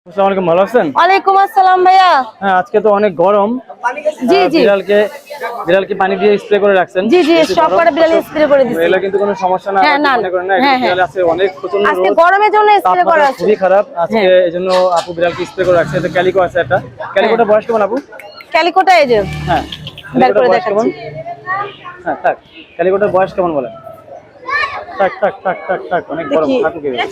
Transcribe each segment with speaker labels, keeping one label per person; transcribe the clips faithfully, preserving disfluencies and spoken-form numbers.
Speaker 1: আসসালামু আলাইকুম, ভালো আছেন?
Speaker 2: ওয়ালাইকুম আসসালাম ভাইয়া।
Speaker 1: হ্যাঁ, আজকে তো অনেক গরম।
Speaker 2: জি জি
Speaker 1: বিড়ালকে বিড়ালকে পানি দিয়ে স্প্রে করে রাখছেন।
Speaker 2: জি জি সব করে বিড়াল স্প্রে করে দিছি।
Speaker 1: এগুলো কিন্তু কোনো সমস্যা না,
Speaker 2: হ্যাঁ, না,
Speaker 1: মনে করেন না।
Speaker 2: হ্যাঁ,
Speaker 1: বিড়াল আছে অনেক প্রচন্ড
Speaker 2: আজকে
Speaker 1: রোদ,
Speaker 2: গরমের জন্য স্প্রে করা
Speaker 1: তাপমাত্রা
Speaker 2: আছে।
Speaker 1: খুবই খারাপ আজকে, এজন্য আপু বিড়ালকে স্প্রে করে রাখছে। এটা ক্যালিকো আছে একটা। ক্যালিকোটা বয়স কেমন আপু?
Speaker 2: ক্যালিকোটা এই যে
Speaker 1: হ্যাঁ,
Speaker 2: বের
Speaker 1: ক্যালিকোটার
Speaker 2: করে
Speaker 1: বয়স কেমন?
Speaker 2: দেখাচ্ছি।
Speaker 1: হ্যাঁ, থাক। ক্যালিকোটার বয়স কেমন বলেন? থাক থাক থাক থাক থাক, অনেক গরম।
Speaker 2: দেখি।
Speaker 1: থাকুক এভাবে।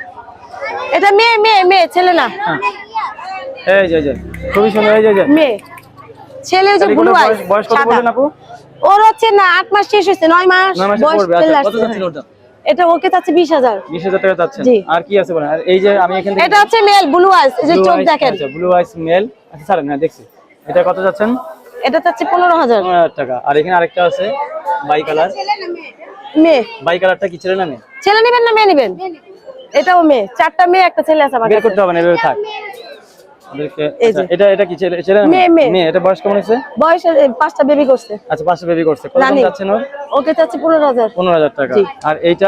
Speaker 2: এটা মেয়ে মেয়ে মেয়ে, ছেলে না।
Speaker 1: হ্যাঁ, এই যে এই যে খুবই সুন্দর। এই যে এই যে
Speaker 2: মেয়ে, ছেলে যে ব্লু
Speaker 1: ক্যালিকোটার
Speaker 2: আই।
Speaker 1: বয়স বয়স কত বলেন আপু?
Speaker 2: ওর হচ্ছে না আট মাস শেষ হয়েছে, নয় মাস
Speaker 1: নয় মাসে
Speaker 2: বয়স
Speaker 1: পড়বে।
Speaker 2: চলে
Speaker 1: আচ্ছা, কত
Speaker 2: আসছে।
Speaker 1: যাচ্ছিল ওটা?
Speaker 2: এটা ওকে চাচ্ছে বিশ হাজার।
Speaker 1: বিশ হাজার টাকা চাচ্ছেন।
Speaker 2: জি।
Speaker 1: আর কি আছে বলেন? আর এই যে আমি এখান থেকে
Speaker 2: এটা হচ্ছে মেল ব্লু আইস, এই যে চোখ দেখেন।
Speaker 1: আচ্ছা, ব্লু আইস মেল। আচ্ছা স্যার, হ্যাঁ দেখছি। এটা কত যাচ্ছেন?
Speaker 2: এটা চাচ্ছে পনেরো হাজার
Speaker 1: পনেরো হাজার টাকা। আর এখানে আরেকটা আছে বাই কালার।
Speaker 2: মেয়ে।
Speaker 1: বাই কালারটা কি ছেলে না মেয়ে?
Speaker 2: ছেলে নেবেন না মেয়ে নেবেন? এটাও মেয়ে, চারটা মেয়ে একটা ছেলে আছে আমার
Speaker 1: বের
Speaker 2: কাছে।
Speaker 1: করতে হবে না, এভাবে থাক। ওদেরকে
Speaker 2: এই
Speaker 1: আচ্ছা,
Speaker 2: যে।
Speaker 1: এটা এটা কি ছেলে ছেলে না
Speaker 2: মেয়ে,
Speaker 1: মেয়ে?
Speaker 2: মেয়ে।
Speaker 1: মেয়ে। এটা বয়স কেমন হয়েছে?
Speaker 2: বয়স এই পাঁচটা বেবি করছে।
Speaker 1: আচ্ছা, পাঁচটা বেবি করছে। কত দাম
Speaker 2: রানী।
Speaker 1: যাচ্ছেন ওর?
Speaker 2: ওকে চাচ্ছি পনেরো হাজার।
Speaker 1: পনেরো হাজার টাকা।
Speaker 2: জি।
Speaker 1: আর এইটা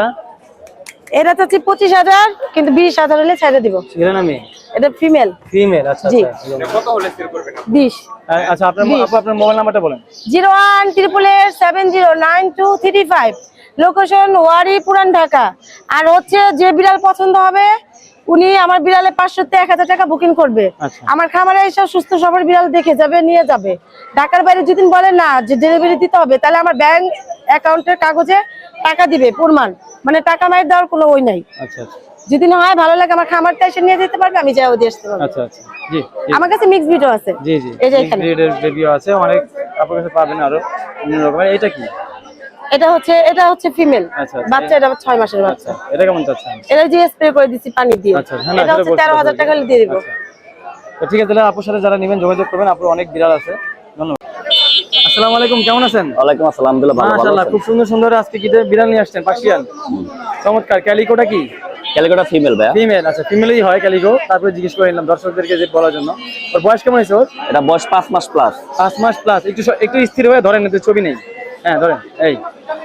Speaker 2: এটা চাচ্ছি পঁচিশ হাজার, কিন্তু বিশ হাজার হলে ছেড়ে দিব।
Speaker 1: ছেলে না মেয়ে?
Speaker 2: এটা ফিমেল।
Speaker 1: ফিমেল। আচ্ছা
Speaker 2: জি।
Speaker 1: আচ্ছা।
Speaker 3: কত হলে সেল করবেন?
Speaker 2: বিশ।
Speaker 1: আর- আচ্ছা, আপনার
Speaker 2: বিশ।
Speaker 1: আপু আপনার মোবাইল নাম্বারটা বলেন।
Speaker 2: Zero one triple eight seven zero nine two three five. Location Wari, Puran Dhaka. আর হচ্ছে যে বিড়াল পছন্দ হবে উনি আমার বিড়ালে পাঁচশো থেকে এক হাজার টাকা বুকিং করবে।
Speaker 1: আচ্ছা।
Speaker 2: আমার খামারে এসে সুস্থ সবল বিড়াল দেখে যাবে, নিয়ে যাবে। ঢাকার বাইরে যদি বলে না যে ডেলিভারি দিতে হবে, তাহলে আমার ব্যাংক অ্যাকাউন্টের কাগজে টাকা দিবে প্রমাণ, মানে টাকা মাইর দেওয়ার কোনো ওই নাই।
Speaker 1: আচ্ছা আচ্ছা
Speaker 2: যদি না হয় ভালো লাগে আমার খামারটা এসে নিয়ে যেতে পারবে, আমি যাও দিয়ে আসতে পারবো।
Speaker 1: আচ্ছা আচ্ছা। জি জি
Speaker 2: আমার কাছে মিক্স ভিডিও আছে।
Speaker 1: জি জি।
Speaker 2: এই যে এখানে
Speaker 1: ব্রিডের বেবিও আছে, অনেক আপনার কাছে পাবেন আরো বিভিন্ন রকমের। এটা কি?
Speaker 2: এটা হচ্ছে এটা হচ্ছে ফিমেল
Speaker 1: আচ্ছা, আচ্ছা।
Speaker 2: বাচ্চা, এটা ছয় মাসের বাচ্চা।
Speaker 1: আচ্ছা, এটা কেমন চাচ্ছেন?
Speaker 2: এটা যে স্প্রে করে দিচ্ছি পানি দিয়ে।
Speaker 1: আচ্ছা, হ্যাঁ, না,
Speaker 2: এটা
Speaker 1: সেটা
Speaker 2: হচ্ছে
Speaker 1: বলছি,
Speaker 2: তেরো হাজার টাকা হলে দিয়ে দিব।
Speaker 1: আচ্ছা। তো ঠিক আছে, তাহলে আপুর সাথে যারা নেবেন যোগাযোগ করবেন। আপুর অনেক বিড়াল আছে। ধন্যবাদ। আসসালামু আলাইকুম, কেমন আছেন?
Speaker 4: ওয়ালাইকুম আসসালাম, আলহামদুলিল্লাহ ভালো, ভালো
Speaker 1: মাশাআল্লাহ,
Speaker 4: আছেন?
Speaker 1: খুব সুন্দর সুন্দর আজকে কি বিড়াল নিয়ে আসছেন? পার্সিয়ান। চমৎকার। ক্যালিকোটা কি?
Speaker 4: ক্যালিকোটা ফিমেল ভাইয়া।
Speaker 1: ফিমেল। আচ্ছা, ফিমেলই হয় ক্যালিকো। তারপরে জিজ্ঞেস করে নিলাম দর্শকদেরকে যে বলার জন্য। ওর বয়স কেমন হয়েছে ওর?
Speaker 4: এটা বয়স পাঁচ মাস প্লাস।
Speaker 1: পাঁচ মাস প্লাস। একটু স- একটু স্থির হয়ে ধরেন, এতে ছবি নেই। হ্যাঁ, ধরেন। এই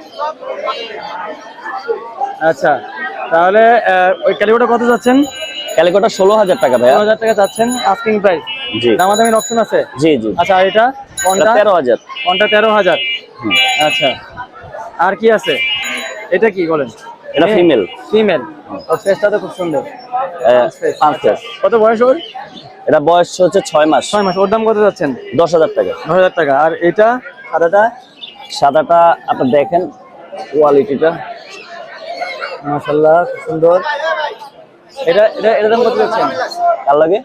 Speaker 1: আচ্ছা, তাহলে আহ, ওই ক্যালিকোটা কত যাচ্ছেন?
Speaker 4: ক্যালিকোটা ষোলো হাজার টাকা ভাইয়া।
Speaker 1: পনেরো হাজার টাকা চাচ্ছেন আস্কিং প্রাইস।
Speaker 4: জি
Speaker 1: দামাদামির অপশন আছে?
Speaker 4: জি জি।
Speaker 1: আচ্ছা, আর এটা
Speaker 4: এটা
Speaker 1: কোনটা?
Speaker 4: তেরো হাজার।
Speaker 1: কোনটা তেরো হাজার?
Speaker 4: হুম।
Speaker 1: আচ্ছা, আর কি আছে? এটা কি বলেন?
Speaker 4: এটা ফিমেল।
Speaker 1: ফিমেল। ওর ফেসটা তো খুব সুন্দর।
Speaker 4: পাঁচ মাস।
Speaker 1: কত বয়স ওর?
Speaker 4: এটা বয়স হচ্ছে ছয় মাস।
Speaker 1: ছয় মাস। ওর দাম কত যাচ্ছেন?
Speaker 4: দশ হাজার টাকা।
Speaker 1: দশ হাজার টাকা। আর এটা সাদাটা?
Speaker 4: সাদাটা আপনার দেখেন কোয়ালিটিটা,
Speaker 1: মাশাআল্লাহ, খুব সুন্দর। এটা এটা এর দাম কত যাচ্ছেন?
Speaker 4: কার লাগে?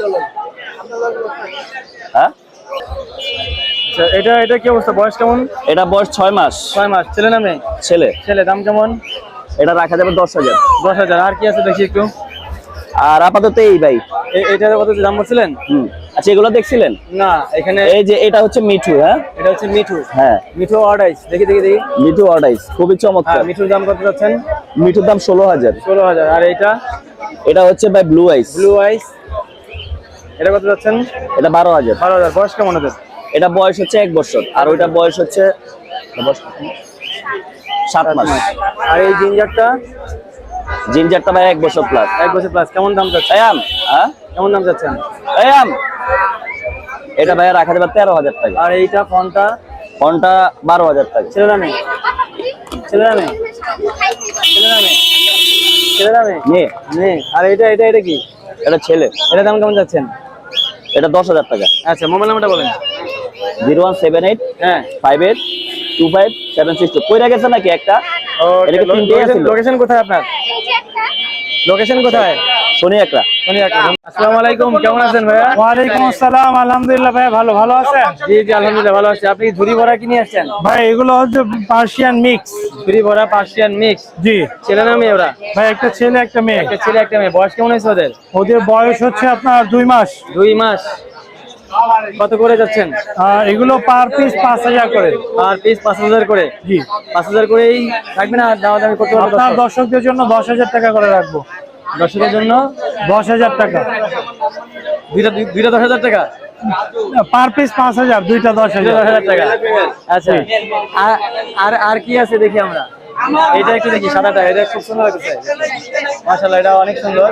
Speaker 4: হ্যাঁ,
Speaker 1: আচ্ছা, এটা এটা কি অবস্থা? বয়স কেমন?
Speaker 4: এটা বয়স ছয় মাস।
Speaker 1: ছয় মাস। ছেলে না মেয়ে?
Speaker 4: ছেলে।
Speaker 1: ছেলে। দাম কেমন?
Speaker 4: এটা রাখা যাবে দশ হাজার।
Speaker 1: দশ হাজার। আর কি আছে দেখি একটু।
Speaker 4: আর আপাতত এই ভাই।
Speaker 1: এ- এটার কত দাম বলছিলেন?
Speaker 4: হুম। আচ্ছা, এগুলো দেখছিলেন?
Speaker 1: না, এখানে
Speaker 4: এই যে এটা হচ্ছে মিঠু। হ্যাঁ
Speaker 1: এটা হচ্ছে মিঠু।
Speaker 4: হ্যাঁ,
Speaker 1: মিঠু অর্ডাইস। দেখি দেখি দেখি।
Speaker 4: মিঠু অর্ডাইস খুবই
Speaker 1: হ্যাঁ,
Speaker 4: চমৎকার।
Speaker 1: মিঠুর দাম কত যাচ্ছেন?
Speaker 4: মিঠুর দাম ষোলো হাজার।
Speaker 1: ষোলো হাজার। আর এইটা
Speaker 4: এটা হচ্ছে ভাই ব্লু আইস।
Speaker 1: ব্লু আইস, এটা কত যাচ্ছেন?
Speaker 4: এটা বারো হাজার।
Speaker 1: বারো হাজার। বয়স কেমন ওদের?
Speaker 4: এটা বয়স হচ্ছে এক বছর, আর ওইটা বয়স হচ্ছে বয়স কত? সাত মাস।
Speaker 1: আর এই জিঞ্জারটা?
Speaker 4: জিঞ্জারটা ভাই এক বছর প্লাস।
Speaker 1: এক বছর প্লাস। কেমন দাম যাচ্ছে?
Speaker 4: এয়াম, হ্যাঁ
Speaker 1: কেমন দাম যাচ্ছেন?
Speaker 4: এয়াম, এটা ভাইয়া রাখা যাবে তেরো হাজার টাকা।
Speaker 1: আর এইটা ফোনটা?
Speaker 4: ফোনটা বারো হাজার টাকা।
Speaker 1: ছেলে না মেয়ে? ছেলে না মেয়ে? ছেলে না মেয়ে? ছেলে না মেয়ে?
Speaker 4: মেয়ে।
Speaker 1: মেয়ে। আর এটা এটা এটা কি?
Speaker 4: এটা ছেলে।
Speaker 1: এটা দাম কেমন যাচ্ছেন?
Speaker 4: এটা দশ হাজার টাকা।
Speaker 1: আচ্ছা, মোবাইল নাম্বারটা বলেন।
Speaker 4: জিরো ওয়ান সেভেন এইট
Speaker 1: হ্যাঁ।
Speaker 4: Five eight two five seven six two. কইরা গেছে নাকি একটা? এটা কি তিনটেই আছিল?
Speaker 1: লোকেশন কোথায় আপনার? লোকেশন কোথায়?
Speaker 4: শনি একটা।
Speaker 1: শনি একটা। আসসালামু আলাইকুম, কেমন আছেন ভাইয়া?
Speaker 5: ওয়ালাইকুম আসসালাম, আলহামদুলিল্লাহ ভাই, ভালো ভালো আছেন?
Speaker 1: জি জি, আলহামদুলিল্লাহ ভালো আছি। আপনি ঝুড়ি ভরা কি নিয়ে আসছেন?
Speaker 5: ভাই এগুলো হচ্ছে পার্সিয়ান মিক্স।
Speaker 1: ঝুড়ি ভরা পার্সিয়ান মিক্স।
Speaker 5: জি
Speaker 1: ছেলে না মেয়ে ওরা?
Speaker 5: ভাই, একটা ছেলে একটা মেয়ে।
Speaker 1: একটা ছেলে একটা মেয়ে। বয়স কেমন হয়েছে ওদের?
Speaker 5: ওদের বয়স হচ্ছে আপনার দুই মাস।
Speaker 1: দুই মাস। কত করে যাচ্ছেন?
Speaker 5: আর এগুলো পার পিস পাঁচ হাজার করে।
Speaker 1: আর পিস পাঁচ হাজার করে?
Speaker 5: জি,
Speaker 1: পাঁচ হাজার করেই থাকবে না? দাওয়া দামি করতে পারবো?
Speaker 5: আপনার দর্শকদের জন্য দশ হাজার টাকা করে রাখবো।
Speaker 1: দর্শকের জন্য
Speaker 5: দশ হাজার টাকা
Speaker 1: দুইটা দুই- দুইটা দশ হাজার টাকা।
Speaker 5: পার পিস পাঁচ হাজার, দুইটা দশ
Speaker 1: দুইটা
Speaker 5: হাজার।
Speaker 1: দশ হাজার টাকা। আচ্ছা, আর আর আর কি আছে দেখি আমরা। এটা একটু দেখি সাদাটা, এটা খুব সুন্দর লাগছে মাশাআল্লাহ, এটা অনেক সুন্দর।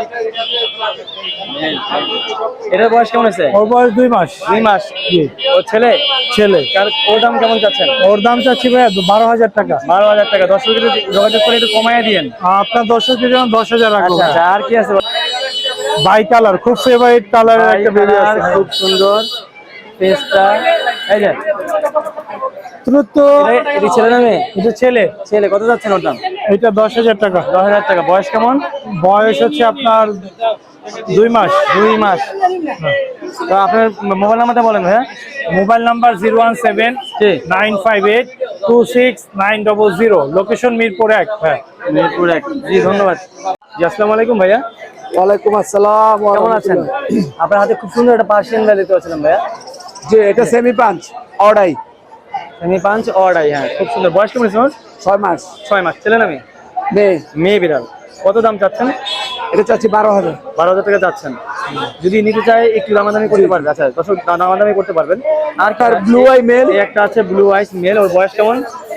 Speaker 1: এটার বয়স কেমন আছে?
Speaker 5: ওর বয়স দুই মাস।
Speaker 1: দুই মাস।
Speaker 5: জি।
Speaker 1: ও ছেলে?
Speaker 5: ছেলে।
Speaker 1: কার- ওর দাম কেমন চাচ্ছেন?
Speaker 5: ওর দাম চাচ্ছি ভাইয়া বারো হাজার টাকা।
Speaker 1: বারো হাজার টাকা। দর্শক যদি যোগাযোগ করে একটু কমায় দিয়েন।
Speaker 5: আপনার দর্শকের জন্য দশ হাজার রাখবো।
Speaker 1: আচ্ছা আচ্ছা, আর কি আছে?
Speaker 5: বাই কালার, খুব ফেভারিট কালারের একটা বেবি
Speaker 1: কালার,
Speaker 5: আছে।
Speaker 1: খুব সুন্দর ফেসটা। এই যে
Speaker 5: দ্রুত
Speaker 1: এটা- এটা ছেলে না মেয়ে?
Speaker 5: এটা ছেলে।
Speaker 1: ছেলে। কত যাচ্ছেন ওর দাম?
Speaker 5: এটা দশ হাজার টাকা।
Speaker 1: দশ হাজার টাকা। বয়স কেমন?
Speaker 5: বয়স হচ্ছে আপনার দুই মাস।
Speaker 1: দুই মাস। তো আপনার মোবাইল নাম্বারটা বলেন ভাইয়া।
Speaker 5: Mobile number zero one seven
Speaker 1: জি।
Speaker 5: Nine five eight two six nine double zero. Location Mirpur এক। হ্যাঁ,
Speaker 1: মিরপুর এক। জি ধন্যবাদ। জি আসসালামু আলাইকুম ভাইয়া,
Speaker 3: ওয়ালাইকুম আসসালাম।
Speaker 1: কেমন আছেন? আপনার হাতে খুব সুন্দর একটা পার্সিয়ান গাড়ি দেখতে পাচ্ছিলাম ভাইয়া।
Speaker 3: জি, এটা সেমি পাঞ্চ অর্ডাই,
Speaker 1: সেমি পাঁচ অর্ডাই। হ্যাঁ খুব সুন্দর। বয়স কেমন আছে ওর?
Speaker 3: ছয় মাস।
Speaker 1: ছয় মাস। ছেলে না মেয়ে?
Speaker 3: মেয়ে।
Speaker 1: মেয়ে বিড়াল। কত দাম চাচ্ছেন?
Speaker 3: এটা চাচ্ছি বারো হাজার।
Speaker 1: বারো হাজার টাকা যাচ্ছেন। যদি নিতে চাই একটু দামাদামি করতে পারবে। আচ্ছা দর্শক দামাদামি করতে পারবেন। আর
Speaker 3: তার ব্লু আই মেল।
Speaker 1: এই একটা আছে ব্লু আইস মেল। ওর বয়স কেমন?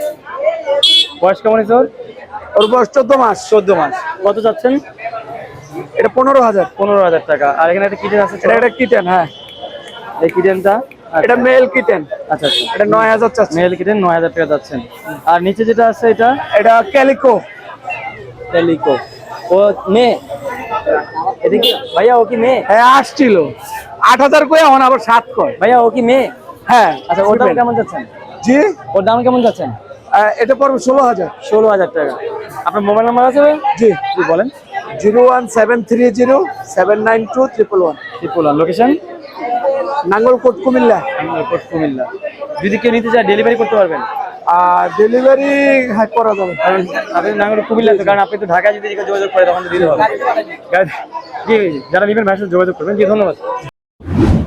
Speaker 1: বয়স কেমন আছে ওর?
Speaker 3: ওর বয়স চোদ্দ মাস।
Speaker 1: চোদ্দ মাস। কত যাচ্ছেন?
Speaker 3: এটা পনেরো হাজার।
Speaker 1: পনেরো হাজার টাকা। আর এখানে একটা কিটেন আছে।
Speaker 3: এটা একটা কিটেন। হ্যাঁ,
Speaker 1: এই কিটেনটা
Speaker 3: এটা মেল কিটেন।
Speaker 1: আচ্ছা আচ্ছা,
Speaker 3: এটা নয় হাজার চাচ্ছি।
Speaker 1: মেল কিটেন নয় হাজার টাকা যাচ্ছেন। আর নিচে যেটা আছে এটা
Speaker 3: এটা ক্যালিকো।
Speaker 1: টেলিকো। ও মেয়ে? এদিকে ভাইয়া, ও কি মেয়ে?
Speaker 3: হ্যাঁ, আসছিল আট হাজার করে, এখন আবার সাত কয়।
Speaker 1: ভাইয়া ও কি মেয়ে?
Speaker 3: হ্যাঁ।
Speaker 1: আচ্ছা ওর দাম কেমন যাচ্ছেন?
Speaker 3: জি,
Speaker 1: ওর দাম কেমন যাচ্ছেন?
Speaker 3: আহ, এটা পড়বে ষোলো হাজার।
Speaker 1: ষোলো হাজার টাকা। আপনার মোবাইল নাম্বার আছে ভাই?
Speaker 3: জি,
Speaker 1: জি বলেন।
Speaker 3: Zero one seven three zero seven nine two triple one.
Speaker 1: Tripura. Location?
Speaker 3: Nangalkot, Cumilla.
Speaker 1: Cumilla. যদি কেউ নিতে চায় ডেলিভারি করতে পারবেন?
Speaker 3: আর ডেলিভারি হ্যাঁ করা যাবে।
Speaker 1: কারণ আপনি নাঙ্গল কুমিল্লা তো, কারণ আপনি তো ঢাকায় যদি কেউ যোগাযোগ করে তখন তো দিতে হবে। জি, যারা নেবেন ভাইয়ের সাথে যোগাযোগ করবেন। জি ধন্যবাদ।